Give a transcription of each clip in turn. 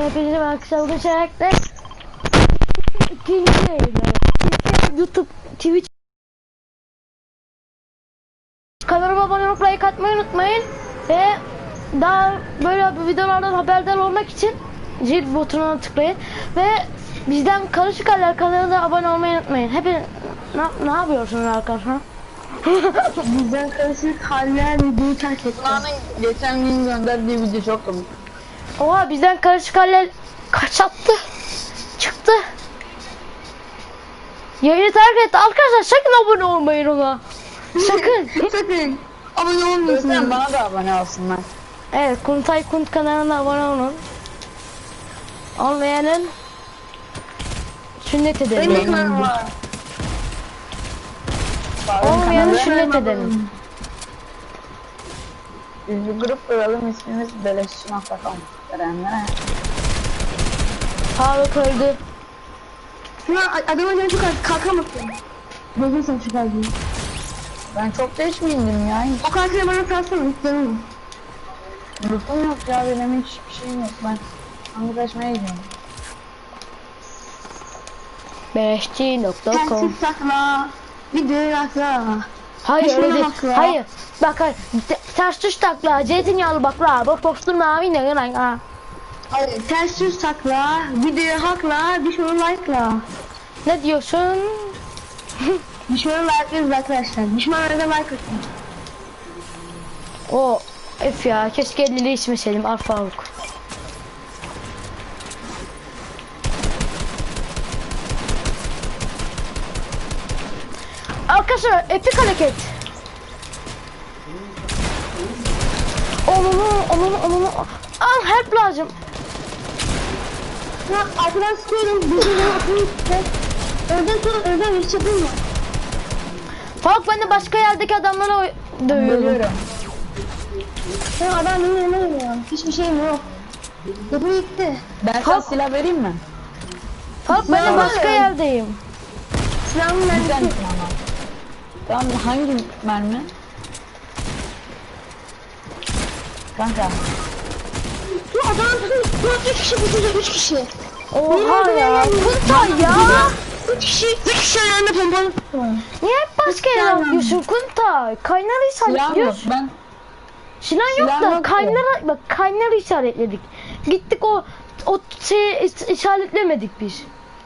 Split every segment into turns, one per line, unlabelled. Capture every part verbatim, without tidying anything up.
Hepinize arkadaşlar bugün şarkıda ikinci yayınları. YouTube, Twitch kanalıma abone olup like atmayı unutmayın. Ve daha böyle videolardan haberdar olmak için zil butonuna tıklayın. Ve bizden Karışık Haller kanalına abone olmayı unutmayın. Hepiniz ne, ne yapıyorsunuz arkadaşlar?
Bizden Karışık Haller videoyu terk etti.
Geçen gün gönderdiği video çok komik.
Oha, bizden Karışık Haller kaç attı? Çıktı. Yayını terk etti. Arkadaşlar sakın abone olmayın ona. Sakın.
Sakın abone olmuyorsunuz.
Lütfen bana da abone olsunlar.
Evet, Kuntay Kunt kanalına abone olun. Olmayanın sünnet edelim.
Benim kanalım var.
Olmayanın sünnet edelim.
Biz bir grup kuralım, ismimiz beleşçi nokta com. Görenlere.
Faruk öldü.
Şuna adama canı çok az kalkamasın. Gözün sen çıkar diye.
Ben çok geç mi indim ya? Hiç
O kalkıyı bana salsana istiyorum.
lütfum yok ya, benim hiçbir şeyim yok. Ben anlaşmaya gidiyorum.
beleşçi nokta com.
Tersiz takla. Videoyu atla.
Hayır
Düşmanı
öyle değil.
haklı.
Hayır. Bak hayır. Te- Ters tuş takla. Zeytinyağlı bakla. Boş boş durma abi. Ne lan ha.
Hayır, ters yüz takla. Videoyu hakla. Düşmanı like'la.
Ne diyorsun?
Düşmanı like'lıyoruz arkadaşlar. Düşmanlara da like atın.
O F ya. Keşke elleri içmeseydim. Al Faruk. Arkadaşlar epik hareket. Onunu onunu onunu al, help lazım.
Ya arkadan sıkıyorum. Videoyu atın. Önden sonra önden hiç yapılma.
Faruk, ben de başka yerdeki adamlara oy- dövüyorum.
Geliyorum.
Ya adam benim önüme geliyor. Hiçbir şeyim yok. Yapı gitti.
Ben sana silah vereyim mi?
Faruk, ben de başka yerdeyim.
Silahımın
Güzel
mermisi.
misin ama? Tamam, hangi mermi? Kanka.
Bu adam bu üç kişi bu üç kişi.
Oha ya. Kuntay ya.
Üç kişi üç kişi ayağında pompalı tuttu.
Niye hep başka yere atlıyorsun Kuntay? Kaynarı
Silah yok.
işaretliyorsun.
Ben
Silah yok
Silah
da
yok
kaynara, bak kaynarı işaretledik. Gittik o o şeyi is- işaretlemedik biz.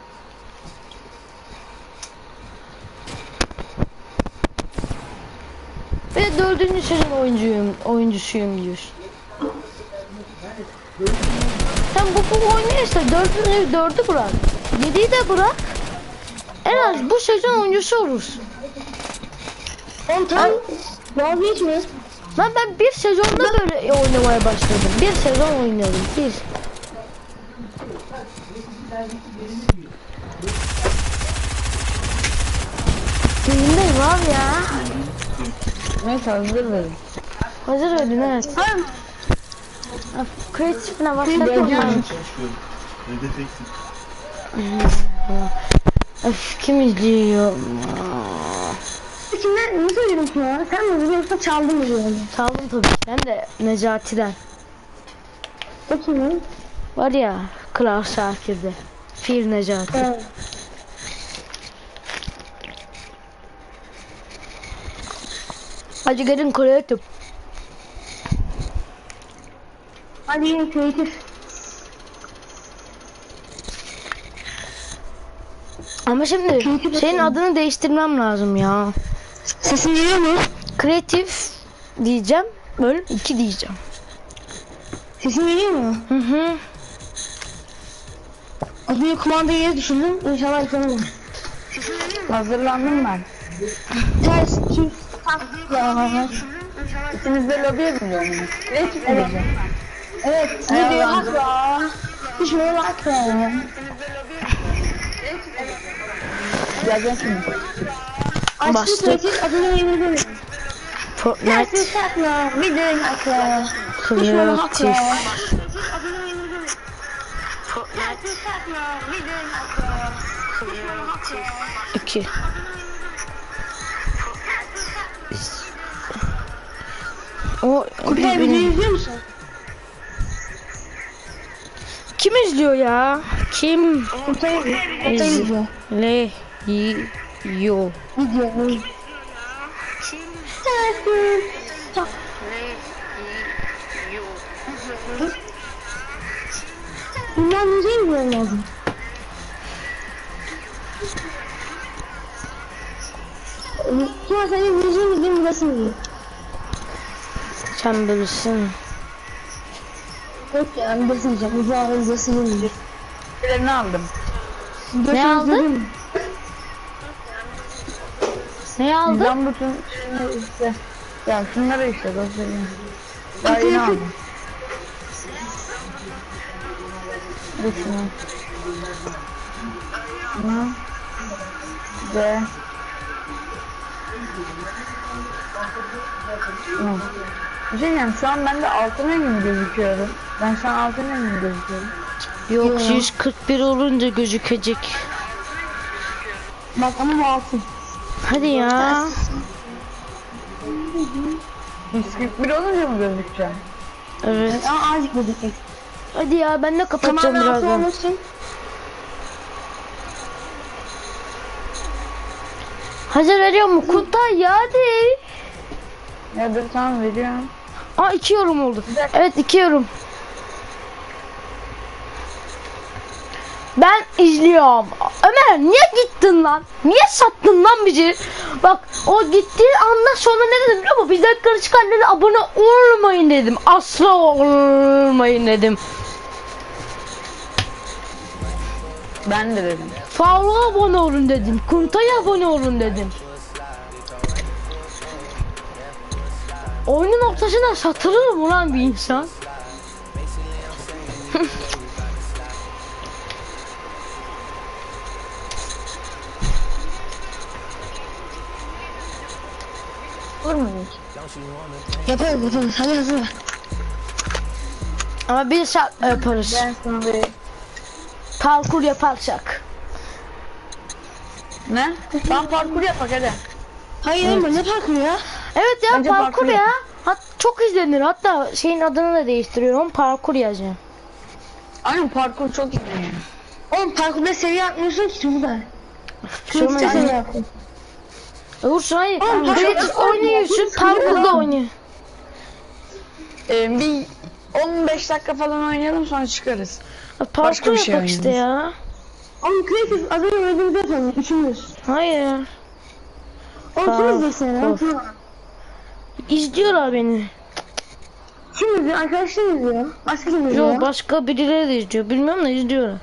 Ve dördüncü sezon oyuncuyum, oyuncusuyum diyorsun. Sen bu bu oynayırsa dördünü dördü bırak. Yediyi de bırak. En az bu sezon oyuncusu olursun.
On tam vazgeçme.
Ben ben bir sezonda böyle oynamaya başladım. Bir sezon oynadım. Bir. Yayındayım abi ya.
neyse hazır verin.
Hazır ödün, evet. Kreatifine başladım ben. Öf, kim izliyor?
İçinde nasıl söyledim ya? Sen mi biliyorsun çaldın mı diyorum.
Çaldım tabii. Hem de Necati'den.
O kimin?
Var ya, Kral Şakir'de. Fir Necati.
Evet.
Hadi gelin kreatif.
Hadi yine kreatif.
Ama şimdi senin adını değiştirmem lazım ya.
Sesin geliyor mu?
Kreatif diyeceğim. Bölüm iki diyeceğim.
Sesin geliyor mu?
Hı hı.
Az önce kumandayı yere düşürdüm. İnşallah yıkanamam.
Hazırlandım ben.
Ters çift takla.
İkiniz de lobiye mi gidiyorsunuz? Kreatif
Evet.
edeceğim.
Evet. Videoyu hakla. Düşmanı hakla.
Geleceksin şimdi.
Açtım
Bastık.
kreatif adını yemirdim.
Fortnite
Ters takla. Videoyu hakla. Düşmanı hakla.
kreatif. iki. O
Kutay videoyu izliyor musun?
kimi kim izliyor ya? Kim
Ortaya ortaya gidiyor.
izliyor?
Video. Sensin. Bundan müziği mi bulmam lazım? Kim senin müziğin mi benim burası mı?
Sen bilirsin.
Yok ya ben burası diyeceğim. Bu ağrı burası değil.
Şeylerini aldım.
Ne aldın? Ne aldın?
Ben bütün şeyleri işte. Ya şunları işte göstereyim. Daha yeni aldım. Dur şunu. Şunu. Ve. Şunu. Bir şey diyeceğim, şu an bende altın rengi mi gözüküyorum? Ben şu an altın rengi mi gözüküyorum?
Yok
Yo.
yüz kırk bir olunca gözükecek.
Bak ama bu altın.
Hadi ya.
yüz kırk bir olunca mı gözükeceğim?
Evet.
Ama azıcık gözükecek.
Hadi ya ben de kapatacağım
Tamamen altın
birazdan.
olmasın.
Hazır veriyor mu? Kuntay ya hadi.
Ya dur tamam veriyorum.
Aa iki yorum oldu.
Güzel.
Evet iki yorum. Ben izliyorum. Ömer niye gittin lan? Niye sattın lan bizi? Bak o gittiği andan sonra ne dedim biliyor musun? Bizden karışık annene abone olmayın dedim. Asla olmayın dedim.
Ben de dedim.
Faruk'a abone olun dedim. Kuntay'a abone olun dedim. Oyunun ortasına satılır mı lan bir insan?
Olur mu hiç?
Yaparız yaparız. Hadi hazır ver.
Ama bir saat yaparız.
Ben sana bir...
Parkur yaparsak.
Ne? Tam parkur yapak hadi.
Hayır Emre ne parkuru ya?
Evet ya
Bence
parkur
parkur
ya.
yapın.
Hat çok izlenir. Hatta şeyin adını da değiştiriyorum. Parkur yazacağım.
Aynen parkur çok iyi.
Oğlum parkurda seviye atmıyorsun ki şurada.
Şurada
Şurada seviye yapın.
Olursun hayır.
Oğlum,
Creative
parkur-
oynuyorsun.
parkur-
Parkurda oynuyor.
Ee, bir on beş dakika falan oynayalım sonra çıkarız.
Parkur
Başka bir şey
yapak işte ya.
Oğlum kreatif az önce öldüğümüzde yapalım. Üçümüz.
Hayır.
Oğlum
Tamam,
kim izleyeceksin ya?
tamam.
Kim-
İzliyorlar beni.
Kim izliyor? Arkadaşlar izliyor. Başka kim izliyor?
Yok başka birileri de izliyor. Bilmiyorum da izliyorlar.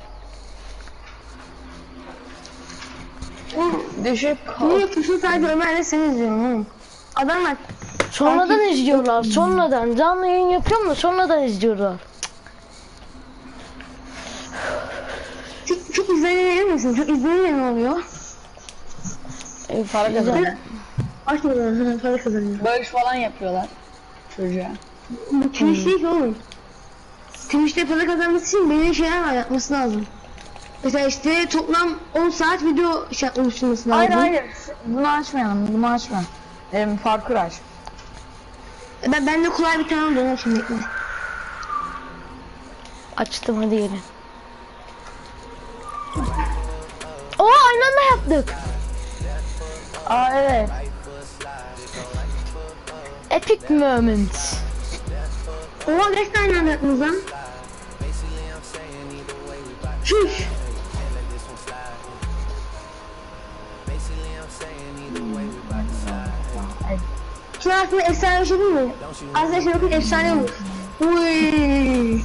Düşüp
Niye yapıyorsun? Sadece Ömer'le seni izliyorum oğlum. Adamlar
Sonradan izliyorlar. Sonradan. Canlı yayın yapıyorum da sonradan izliyorlar.
çok, çok izlenir misin? Çok izlenince ne oluyor?
E,
para
güzel.
kazanıyor.
Açmıyorlar. Para kazanıyor.
Bağış falan yapıyorlar çocuğa.
Bu Twitch değil ki oğlum. Twitch'te para kazanması için belirli şeyler var yapması lazım. Mesela işte toplam on saat video şey oluşturması lazım.
Hayır hayır. Bunu açmayalım. Bunu açma. Ee, parkur aç.
Ben, ben de kolay bir tane dönem şimdi. bekle.
Açtım hadi gelin. Oo aynı anda yaptık.
Aa evet.
Epic moment.
Oha kaç tane anda yaptınız lan? Çüş. Şimdi aslında efsane bir şey değil mi? Aslında şimdi bakın efsane olur. Uyyy.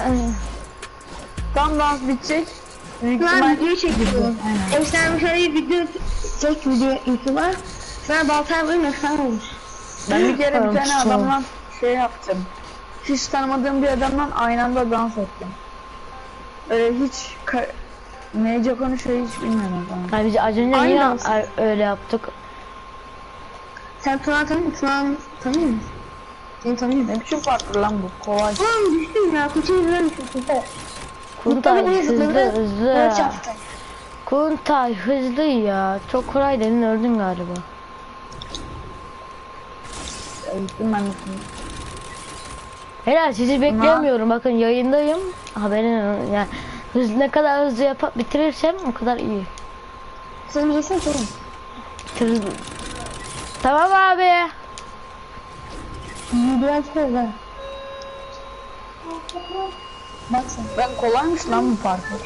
Tam dans bitecek. Büyük
Şu an
ihtimal
video çekiyorum.
Aynen.
Efsane bir şey video çek video YouTube'a. Sonra baltaya vurayım efsane olur.
Ben bir kere bir tane
Tamam.
adamla şey yaptım. Hiç tanımadığım bir adamla aynı anda dans ettim. Öyle hiç ka- nece konuşuyor hiç bilmiyorum falan.
Yani biz az önce
Aynı
yine
dans.
a- öyle yaptık.
Sen Tuğan tanıyor musun? Tuğan tanıyor musun? Seni tanıyor musun?
Ne biçim parkur lan bu kolay.
Oğlum düştüm ya. Kutuyu izlemişim. Kutuyu.
Kuntay
Kutuyu
hızlı
izledim.
hızlı.
Böyle çarptı.
Kuntay hızlı ya. Çok kolay dedin öldün galiba.
Gittim ben de.
Helal sizi beklemiyorum. Bakın yayındayım. Haberin yani hız ne kadar hızlı yapıp bitirirsem o kadar iyi.
Sen bilirsin ki oğlum.
Bitiririz. Tamam abi.
Videoya çıkıyoruz ha. Bak sen.
Ben kolaymış lan bu parkur.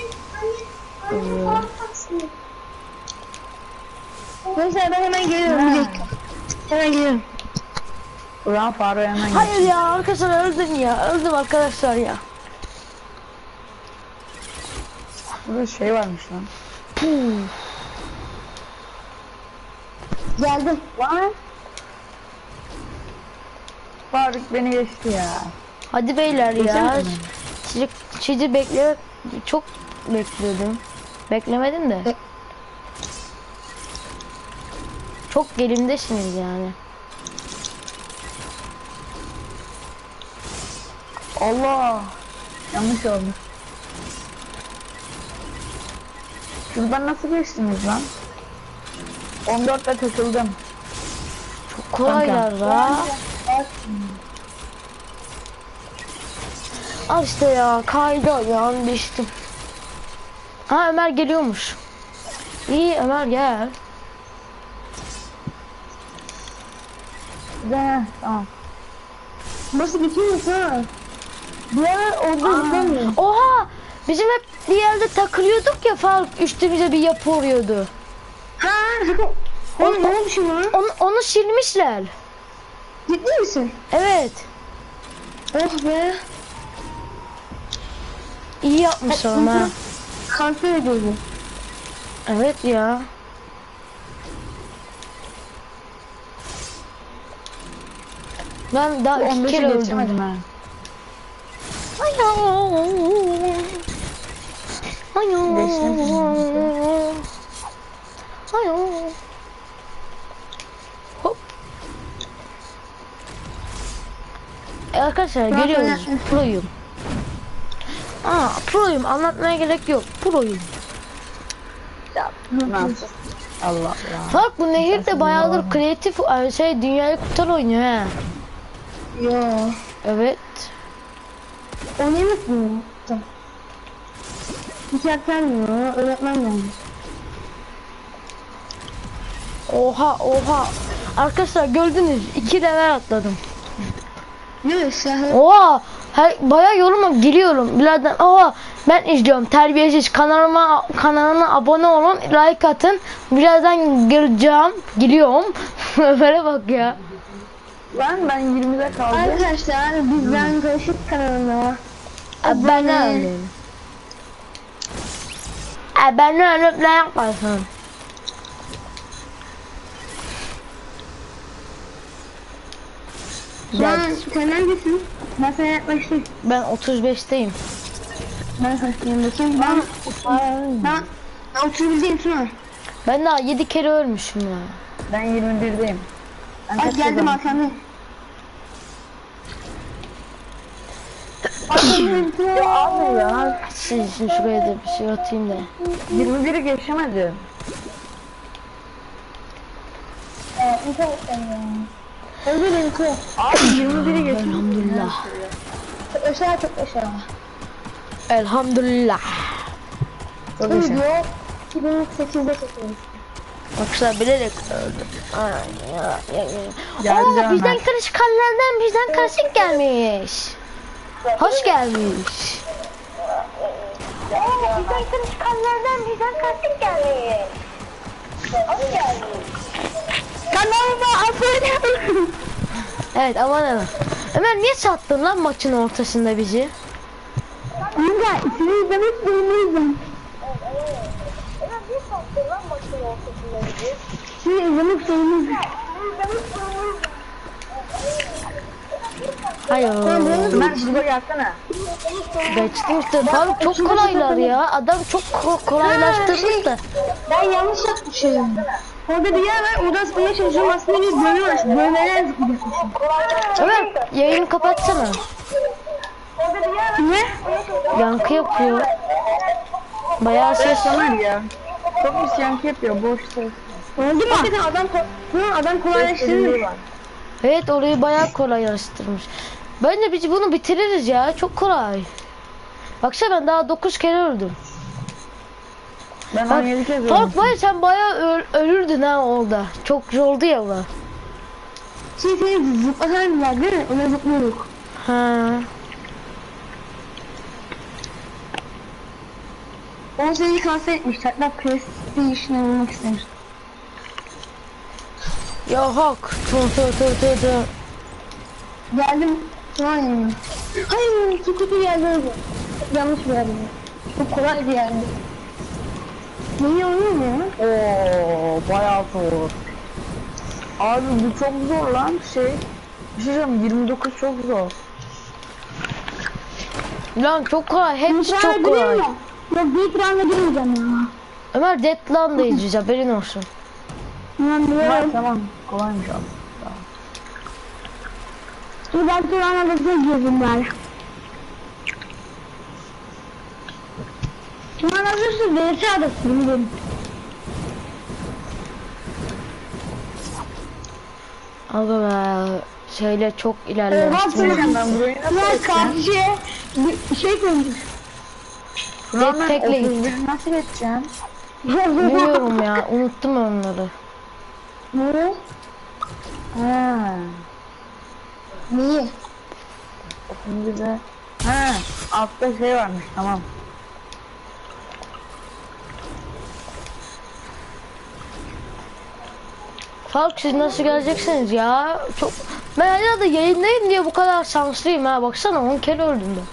Neyse ben hemen geliyorum. Bir dakika. Hemen geliyorum.
Ulan Faro hemen
Hayır
geç.
ya arkadaşlar öldüm ya. Öldüm arkadaşlar ya.
Burada şey varmış lan.
Geldim.
Lan. Faruk beni geçti ya.
Hadi beyler ya.
Geçemedin mi?
Sizi, sizi bekle çok bekliyordum. Beklemedim de.
E-
Çok gelimdesiniz yani.
Allah. Yanlış oldu. Şuradan nasıl geçtiniz lan? on dörtte takıldım.
Çok kolaylar la. Al işte ya kaydı ayağım düştüm. Ha Ömer geliyormuş. İyi Ömer gel.
Güzel. Tamam.
Nasıl bitiyor ha? Bir ara orada gitmiyor.
Oha! Bizim hep bir yerde takılıyorduk ya Faruk üstümüze bir yapı vuruyordu.
Ha? Oğlum ne olmuş lan?
Onu, onu silmişler.
Ciddi misin?
Evet.
Oh be.
İyi yapmışlar ama.
Kanser ediyordu.
Evet ya. Ben daha iki
on beşi
kere öldüm.
geçemedim ha.
Ayoo.
Geçtim.
Ayoo. Ayoo. Hop. E arkadaşlar
Ben
geliyoruz.
sana-
Proyum. Aa proyum anlatmaya gerek yok. Proyum.
Nasıl? Allah Allah.
Bak bu nehir de bayağıdır kreatif e, şey dünyayı kurtar oynuyor he.
Yo.
Evet.
O ne mi? Tamam. Hiç yapmıyor. Öğretmen gelmiş.
Oha oha. Arkadaşlar gördünüz iki level atladım.
Yok şahı.
Oha. Her, bayağı yoruma giriyorum. Birazdan oha ben izliyorum terbiyesiz kanalıma kanalına abone olun like atın. Birazdan gireceğim. Giriyorum. Ömer'e bak ya.
Ben ben yirmide kaldım.
Arkadaşlar bizden karışık kanalına.
Ben ne alayım? Ben ne alıp ne yaparsın?
Şu an sen neredesin? Ben sana yaklaştım.
Ben otuz beşteyim.
Ben kaçtayım bakayım. Ben, ben, ben otuz birdeyim Tuna.
Ben daha yedi kere ölmüşüm ya.
Ben yirmi birdeyim. Ben
Ay
kaç
geldim
kazandım?
arkanda.
Ya abi ya.
Siz için şuraya da bir şey atayım da.
yirmi biri geçemedim.
Özür dilerim Tuna.
Abi yirmi biri geçemedim.
Elhamdülillah.
Çok aşağı çok aşağı.
Elhamdülillah.
Çok
Bu
yaşa.
video iki bin sekizde çekilmiş.
Arkadaşlar bilerek öldüm. Ay ya ya ya.
Geldi
Oo,
Ömer.
bizden karışık kanlardan bizden karışık gelmiş. Hoş gelmiş. Oo, bizden karışık kanlardan bizden karışık gelmiş. Hoş gelmiş. Kanalıma abone olun. Evet abone olun. Ömer niye sattın lan maçın ortasında bizi?
Kanka ismini izlemek zorundayım. Şimdi izlemek zorundayım.
Hayır.
Ömer şurada gelsene.
Geçtim işte. Faruk çok kolaylar ya. Adam çok ko- kolaylaştırmış da.
Ben yanlış yapmışım. Orada bir yer var, oradan sıkmaya çalışıyorum. Aslında bir bölüm var. Bölmeler zıplayacakmışım.
Ömer yayını kapatsana.
Ne?
Yankı yapıyor. Bayağı ses.
Ömer ya. Çok pis yankı yapıyor. Boş ses.
Oldu mu? Hakikaten adam, ko- Hı, adam kolaylaştırmış.
var.
Evet orayı bayağı kolaylaştırmış. Bence biz bunu bitiririz ya. Çok kolay. Baksana ben daha dokuz kere öldüm.
Ben
Bak,
on yedi kez öldüm.
Fark var ya, sen bayağı öl- ölürdün ha orada. Çok zordu ya bu.
Şey seni zıplatan var değil mi? Ona zıplıyorduk.
Ha.
on seni kanser etmiş. Hatta PlayStation'a vurmak istemiş.
Ya hak. Tı tı tı tı tı.
Geldim. Şu an yanıma. Hayır, çok kötü geldi oldu. Yanlış bir yerde. Çok kolay bir yerde. Neyi oynuyor mu ya?
Oo, bayağı zor. Abi bu çok zor lan şey. Bir şey diyeceğim, yirmi dokuz çok zor.
Lan çok kolay. Hepsi
Deadline'a
çok kolay.
gireyim mi? Yok, Deadline'a girmeyeceğim ya.
Ömer Deadline'da izleyeceğiz, haberin olsun.
Tamam,
Tamam
biliyorum.
tamam, kolaymış abi.
Dur ben Turan'a da girdim bari. Turan hazırsın, V S adasın bildim.
Aga be. Şeyle çok
Ee,
ilerlemiştim.
Turan,
Ben burayı nasıl
Turan
geçeceğim?
karşıya bir şey koymuş.
Turan ben
Tekle
otuz bir nasıl geçeceğim?
Bilmiyorum ya, unuttum onları.
Ne?
Ha.
Neyi?
otuz birde. Ha, altta şey varmış, tamam.
Fark, siz nasıl geleceksiniz ya? Çok... Ben hala da yayındayım diye bu kadar şanslıyım ha. Baksana on kere öldüm ben.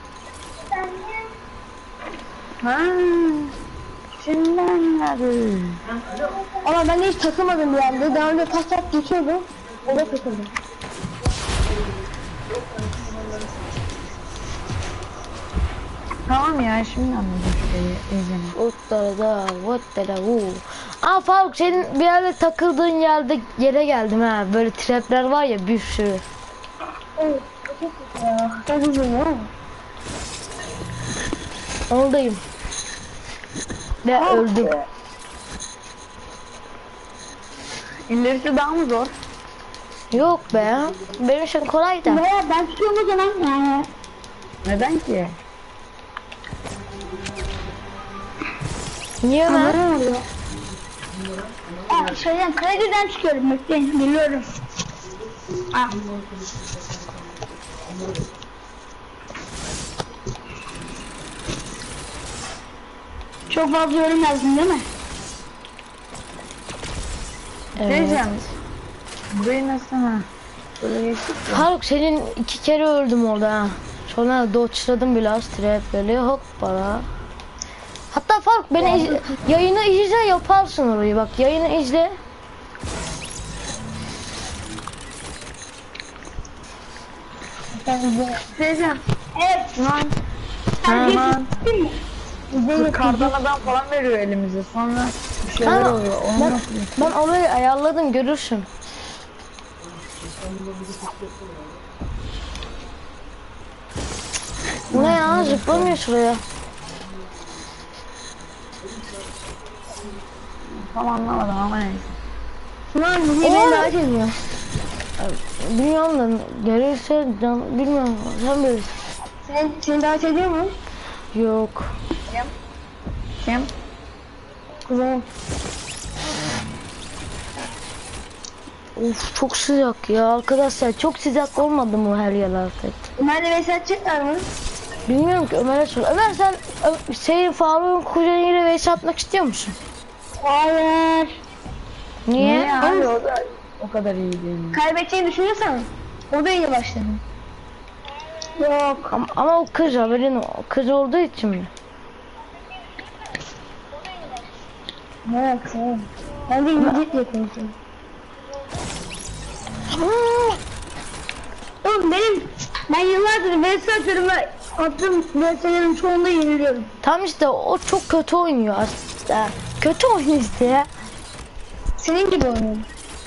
Ha. Şimdi anladım.
Ama ben hiç takılmadım bir yerde. Daha önce pas pas geçiyordum. O da takıldı.
Tamam ya, şimdi anladım şeyi, izini.
Uttarada, vattara hu. Aa Faruk, senin bir yerde takıldığın yerde yere geldim ha. Böyle trapler var ya, bir sürü.
Evet. Çok kötü ya. Çok uzun ya.
Oradayım. Ve öldüm.
İlerisi daha mı zor?
Yok be. Benim için kolay da.
Ya ben tutuyorum o zaman yani.
Neden ki?
Niye ben?
Ne oluyor? Aa, şeyden krediden çıkıyorum, bekleyin, biliyorum. Ah. Çok fazla yorum yazdın değil mi?
Evet. Diyeceğim. Burayı nasıl ha? Böyle geçtik ya.
Faruk, senin iki kere öldüm orada ha. Sonra dodge'ladım biraz trapleri, hoppala. Hatta Faruk, beni iz- yayını izle, yaparsın orayı. Bak, yayını izle.
Diyeceğim.
Evet.
Lan.
Sen
Tamam.
değil mi? İzleyin.
Kardan adam falan veriyor elimize. Sonra bir şeyler
Tamam.
oluyor. Onu
Ben,
nasıl?
ben orayı ayarladım, görürsün. Bu ne ya, zıplamıyor şuraya.
Tam anlamadım ama neyse.
Ulan bu yine
Oğlum.
daha ediyor.
Bilmiyorum da gelirse can, bilmiyorum, sen bilirsin.
Sen, seni davet ediyor mu?
Yok.
Kim?
Güzel.
Of, çok sıcak ya arkadaşlar, çok sıcak olmadı mı her yer artık?
Ömer'le Veysel atacaklar mı?
Bilmiyorum ki, Ömer'e sor. Ömer, sen Ö- senin Faruk'un kuzeniyle Veysel atmak istiyor musun?
Hayır.
Niye?
Niye abi, o da o kadar iyi değil mi?
Kaybedeceğini düşünüyorsan o da iyi başladı. Yok.
Ama, ama o kız, haberin o kız olduğu için mi?
Evet, evet. Ben de İngilizce diye konuşuyorum. Oğlum benim, ben yıllardır Veysel atıyorum ve attığım Veysel'lerin çoğunda yeniliyorum.
Tam işte o çok kötü oynuyor aslında. Kötü oynuyor işte ya.
Senin gibi oynuyorum.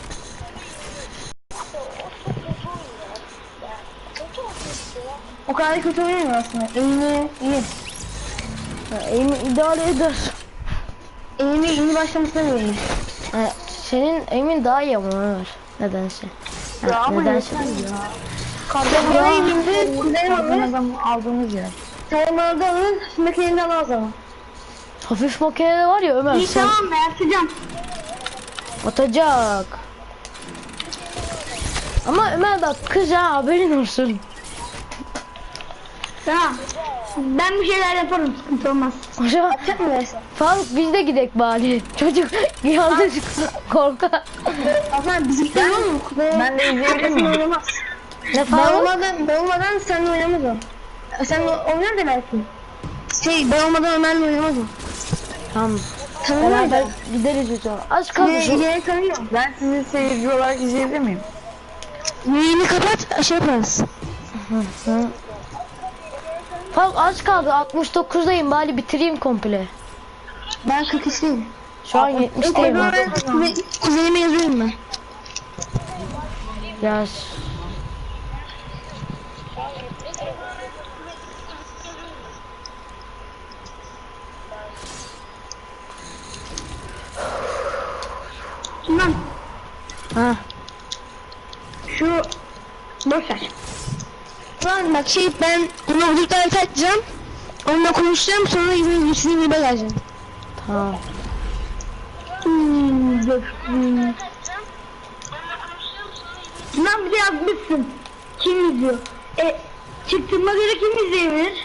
O kadar kötü oynamıyor aslında. Eğimi iyi.
Ya, Eğimi idare eder.
Eğimi iyi başlamasına verilmiş.
Ha, senin emin daha iyi ama Ömer. Nedense. Ha,
Ya ama
nedense.
yeter ya. Kardan
Oraya indi, kuzey
Kardan
alır.
adam aldığımız yer.
Saymalarda alır, makineni almaz ama.
Hafif makine var ya Ömer
İyi
sen
tamam ben atacağım.
atacak. Ama Ömer bak kız ha haberin olsun.
Tamam. Ben bir şeyler yaparım, sıkıntı olmaz.
Hocam
Atacak mı dersin?
Faruk biz de gidek bari. Çocuk yalnız korkar.
Hasan bizimkiler var mı?
Ben de izleyebilir miyim?
Oynamaz.
Ne
Ben
Faruk?
olmadan, ben olmadan seninle oynamaz o. Sen oynar da belki. Şey, ben olmadan Ömer'le oynamaz o.
Tamam.
Tamam
Beraber
öyle.
gideriz hocam. Az kaldı
Ne,
şu.
yeri tanıyor.
Ben sizi seyirci olarak izleyebilir miyim?
Yayını kapat, şey yaparız.
Hı. Faruk az kaldı. altmış dokuzdayım bari bitireyim komple.
Ben kırk üçteyim.
Şu an yetmişteyim artık.
Kuze- Kuzenime yazıyorum ben.
Yaz.
Tamam.
Ha.
Şu boş ver. Ulan bak şey ben onu huzurda açacağım. Onunla konuşacağım sonra yine yüzünü gibi geleceğim.
Tamam.
Hmm, dur. Hmm. Lan bir de yazmışsın. Kim izliyor? E, çıktığıma göre kim izleyebilir?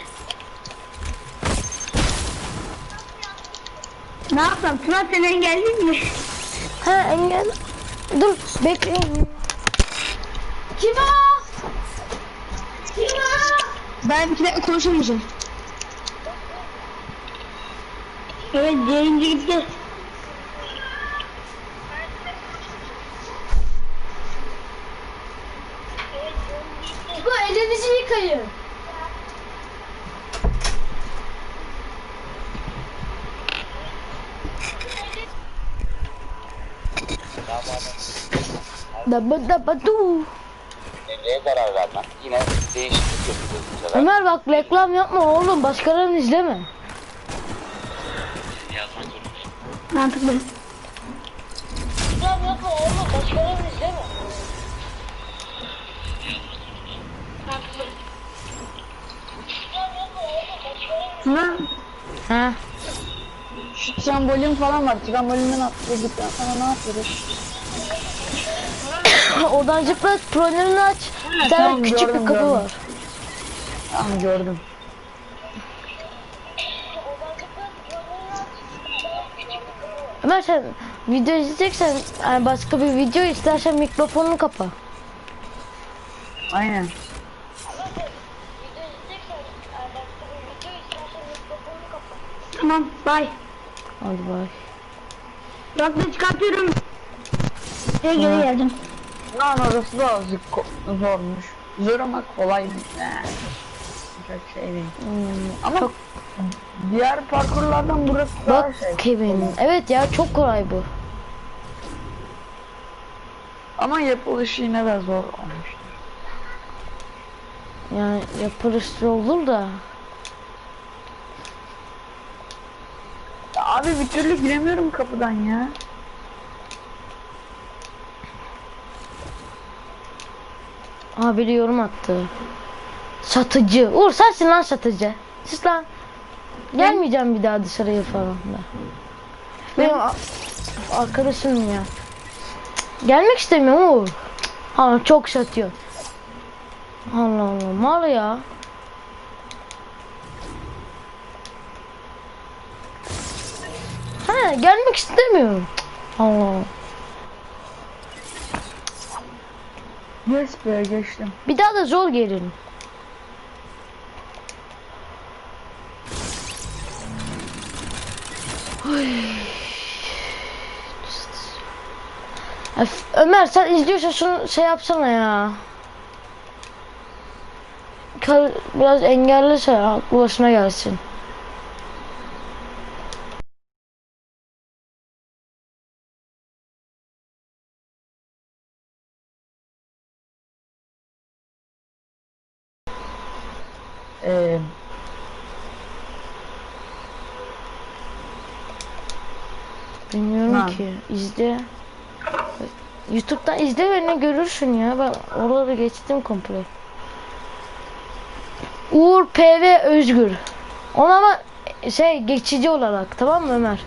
Ne yapsam? Tuna seni engelleyeyim mi?
Ha engel. Dur bekleyin. Kim o? Kim o?
Ben bir dakika konuşamayacağım. Evet, yayıncı gitti.
Bu elinizi yıkayın. Daba daba du.
Neye karar vermem? Yine değişiklik yapacağız bu sefer.
Ömer bak reklam yapma oğlum başkalarını izleme.
Mantıklı.
Reklam yapma oğlum başkalarını izleme.
Tuna
Ha.
Şu trambolin falan var. Trambolinden atladıktan sonra ne yapıyoruz?
Oradan zıpla trollerini aç. Bir tane
tamam,
küçük
gördüm,
bir kapı
gördüm.
var.
Tamam gördüm.
Ömer sen video izleyeceksen yani başka bir video istersen mikrofonunu kapa.
Aynen.
tamam bye.
Hadi bay.
Kulaklığı çıkartıyorum. Şey geri geldim.
Lan orası da azıcık ko- zormuş. Zor ama kolay bir ne? Çok şey değil.
Hmm,
Ama
çok
diğer parkurlardan burası daha
bak
şey.
Kevin. Evet ya çok kolay bu.
Ama yapılışı yine de zor olmuş.
Yani yapılışı olur da.
Ya abi bir türlü giremiyorum kapıdan ya.
Aa biri yorum attı. Satıcı. Uğur sensin lan satıcı. Sus lan. Gelmeyeceğim bir daha dışarıya falan da. Benim a- arkadaşım ya. Gelmek istemiyorum Uğur. Ama çok satıyor. Allah Allah mal ya. Ha gelmek istemiyorum. Allah Allah.
Yes be geçtim.
Bir daha da zor gelin. Öf, Ömer sen izliyorsan şunu şey yapsana ya. Kal- Biraz engellese aklı başına gelsin.
Ee,
Bilmiyorum
Ha.
ki. İzle. YouTube'dan izle ve ne görürsün ya. Ben oraları geçtim komple. Uğur P V Özgür. Ona ama şey geçici olarak, tamam mı Ömer?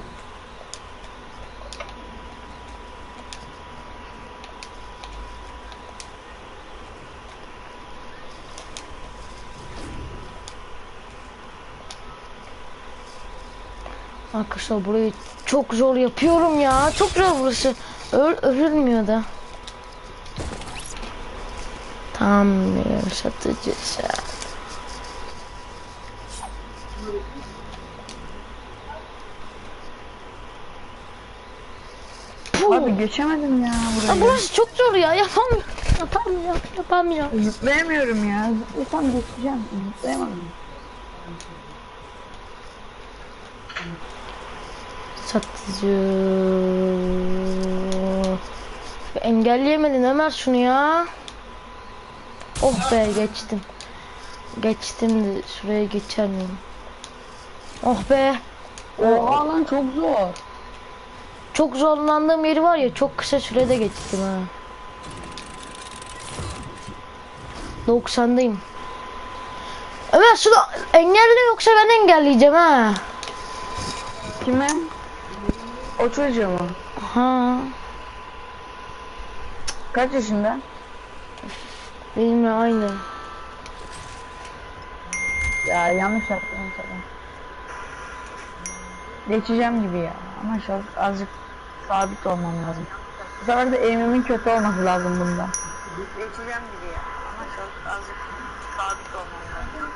Arkadaşlar burayı çok zor yapıyorum ya. Çok zor burası. Öl örülmüyor da. Tam bir satıcı.
Abi geçemedim ya
Ya
burayı.
burası çok zor ya. Yapamıyorum. Yapamıyorum. Yapamıyorum.
Zıplayamıyorum ya. Zıplasam geçeceğim. Zıplayamadım.
Satıcı. Engelleyemedin Ömer şunu ya. Oh be geçtim. Geçtim de şuraya geçer miyim? Oh be.
Oha lan çok zor.
Çok zorlandığım yeri var ya, çok kısa sürede geçtim ha. doksandayım. Ömer şunu engelle yoksa ben engelleyeceğim ha.
Kime? O çocuğu mu?
Ha.
Kaç yaşında?
Benimle aynı.
Ya yanlış yaptım sana. Geçeceğim gibi ya. Ama çok azıcık sabit olmam lazım. Bu sefer de eğimimin kötü olması lazım bunda. Geçeceğim gibi ya. Ama çok azıcık sabit olmam lazım.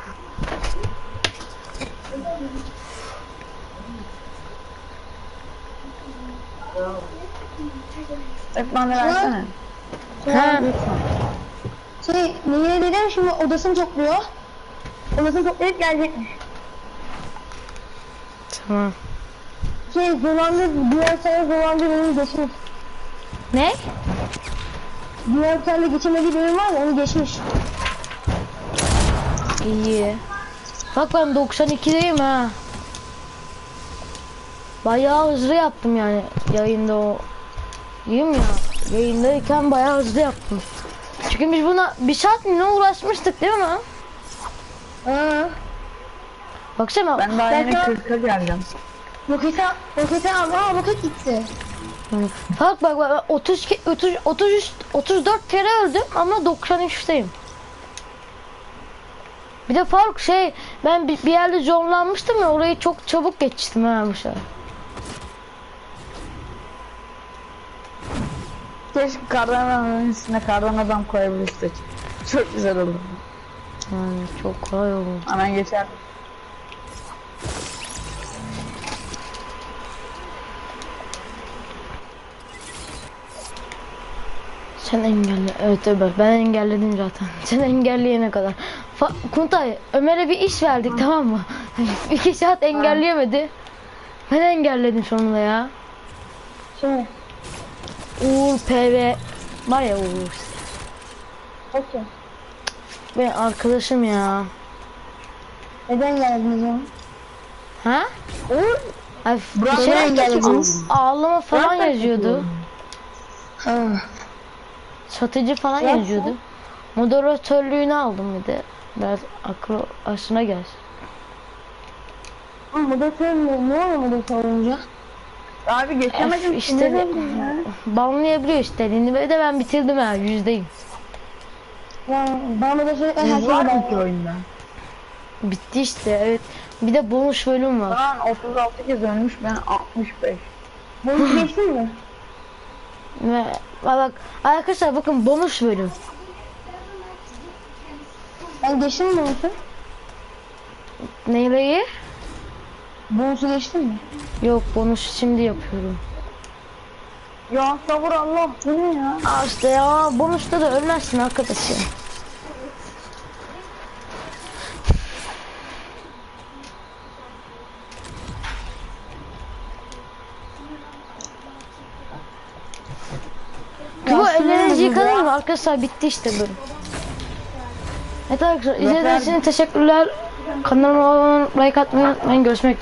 Hep bana versene.
Ha.
Şey Nehir'e dedim şimdi odasını topluyor. Odasını toplayıp gelecekmiş.
Tamam.
Şey dolandı, diğer sayı dolandı bölümü geçmiş.
Ne?
Diğer sayı geçemediği bölüm var ya onu geçmiş.
İyi. Bak ben doksan ikideyim ha. Bayağı hızlı yaptım yani yayında o. Diyeyim ya. Yayındayken bayağı hızlı yaptım. Çünkü biz buna bir saat mi ne uğraşmıştık değil mi?
Aa,
Baksana.
Ben daha yeni
Ben-
kırka geldim.
roketi, roketi al, aa roket gitti.
Bak bak bak otuz iki, otuz, otuz üç, otuz dört kere öldüm ama doksan üçteyim. Bir de Faruk şey ben bir, bir yerde zorlanmıştım ya, orayı çok çabuk geçtim ha bu sefer.
Keşke kardan adamın üstüne kardan adam koyabilirsek. Çok güzel olur.
Yani çok kolay oldu.
Hemen geçer.
Sen engelle. Evet Ömer ben engelledim zaten. Sen engelleyene kadar. Fa Kuntay Ömer'e bir iş verdik tamam mı? İki saat engelleyemedi. Ben engelledim sonunda ya.
Şimdi,
Uğur P V var ya Uğur.
okey.
Benim arkadaşım ya.
Neden geldiniz oğlum?
Ha?
Uğur.
Ay,
Burak
şey,
neden engellediniz?
ağlama falan
Burak
yazıyordu.
Ha.
Satıcı falan
Burak
yazıyordu. Moderatörlüğünü aldım bir de. Biraz aklı aşına gelsin.
Ama moderatör mü? Ne oluyor moderatör olunca?
Abi geçemedim.
Öf, işte
işte.
de- Banlayabiliyor işte. Ve de ben bitirdim ha yüzdeyim.
Ya ben moderatör her şeyi
Var mı ki
ben.
oyunda?
Bitti işte evet. Bir de bonus bölüm var.
Lan otuz altı kez ölmüş, ben altmış beş.
Bunu geçtin mi?
Ve bak arkadaşlar bakın bonus bölüm.
Ben geçtim mi bonusu?
Neyi?
Bonusu geçtin mi?
Yok bonus şimdi yapıyorum.
Ya sabır Allah, bu ne ya?
Aa işte ya bonusta da ölmezsin arkadaş ya. Bu ellerinizi yıkadın mı arkadaşlar, bitti işte bölüm. Evet arkadaşlar izlediğiniz için teşekkürler. Kanalıma abone olmayı, like atmayı unutmayın. Görüşmek üzere.